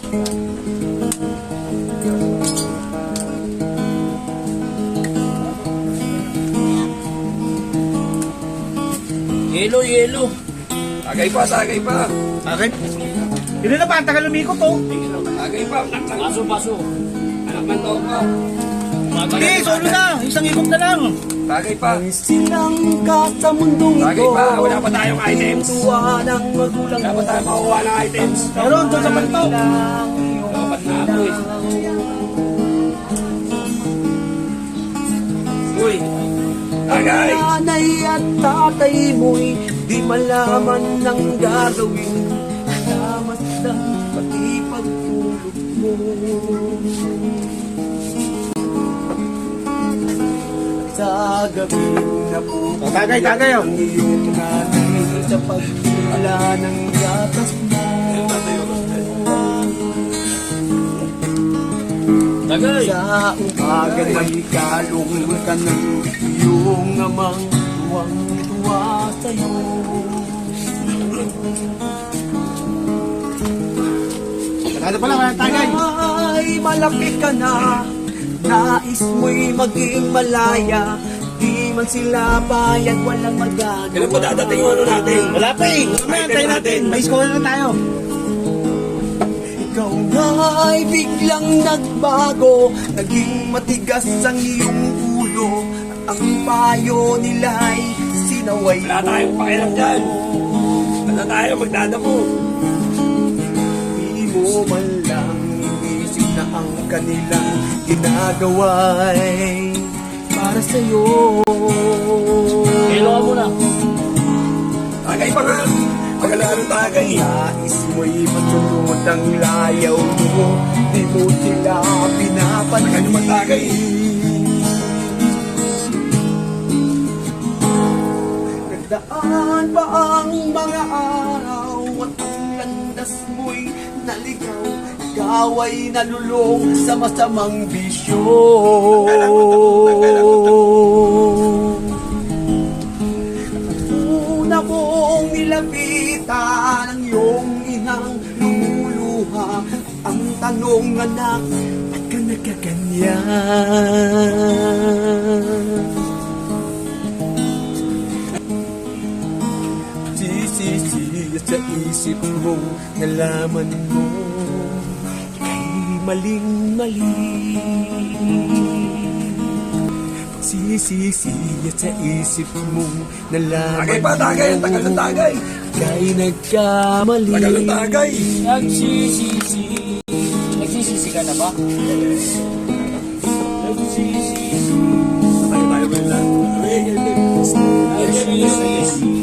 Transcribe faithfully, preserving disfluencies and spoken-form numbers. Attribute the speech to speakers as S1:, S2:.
S1: Yelo, yelo.
S2: Tagay pa, tagay pa.
S3: Bakit? Hindi na pa, ang tagal lumikot to.
S2: Tagay pa.
S1: Paso, paso.
S2: Anak man to pa.
S3: Hindi, solo na. Isang ikot na lang.
S2: Tagay pa.
S4: Silang ka sa mundong
S2: Tagay
S4: ito.
S2: pa. Wala pa tayong items.
S4: Tuwa ng magulang
S2: Wala pa tayong makuha ng items.
S3: Meron, doon sa panto.
S2: Dapat na ako eh. Uy. Tagay.
S4: Nanay at tatay mo'y di malaman ng gagawin. Salamat na pati pagtulog mo. Sa gabi na po
S3: O, tagay, tagay, oh.
S4: ang iyong nanay sa pagtula ng gatas mo.
S1: Tagay.
S4: Sa umaga may kalong ka ng iyong amang tuwang-tuwa sa'yo.
S3: Ano pala, walang tagay.
S4: Ay, malaki ka na, nais mo'y maging malaya. Di man sila bayad, walang magagawa.
S2: Kailan pa dadating yung ano natin?
S3: Wala pa eh. Mamaya, tayo natin. May score na tayo.
S4: Ikaw nga'y biglang nagbago, naging matigas ang iyong ulo. At ang payo nila'y sinaway
S2: Wala tayong pakialam dyan. Wala tayo magdadamo.
S4: Di mo man lang inisip na ang kanilang ginagawa'y para sa'yo.
S1: Yelo ka muna.
S2: Tagay pa nga. Pagkalaan ng tagay.
S4: Nais mo'y matulot ang layaw mo, di mo sila pinapansin.
S2: Ano man tagay?
S4: Nagdaan pa ang mga araw at ang landas mo'y naligaw. Ikaw ay nalulong sa masamang bisyo. Una mong nilapitan ang iyong inang lumuluha. Ang tanong, anak, ba't ka nagkaganyan? Sisisi sa isip mo, nalaman mo kay maling-mali. Sisisi sa isip mo, nalaman
S2: Tagay pa, tagay. Ang tagal ng tagay.
S4: kay nagkamali.
S2: Tagal ng tagay.
S1: Nagsisisi. Nagsisisi ka na ba? Nagsisisi.
S2: Tayo tayo ba lang?
S1: Nagsisisi.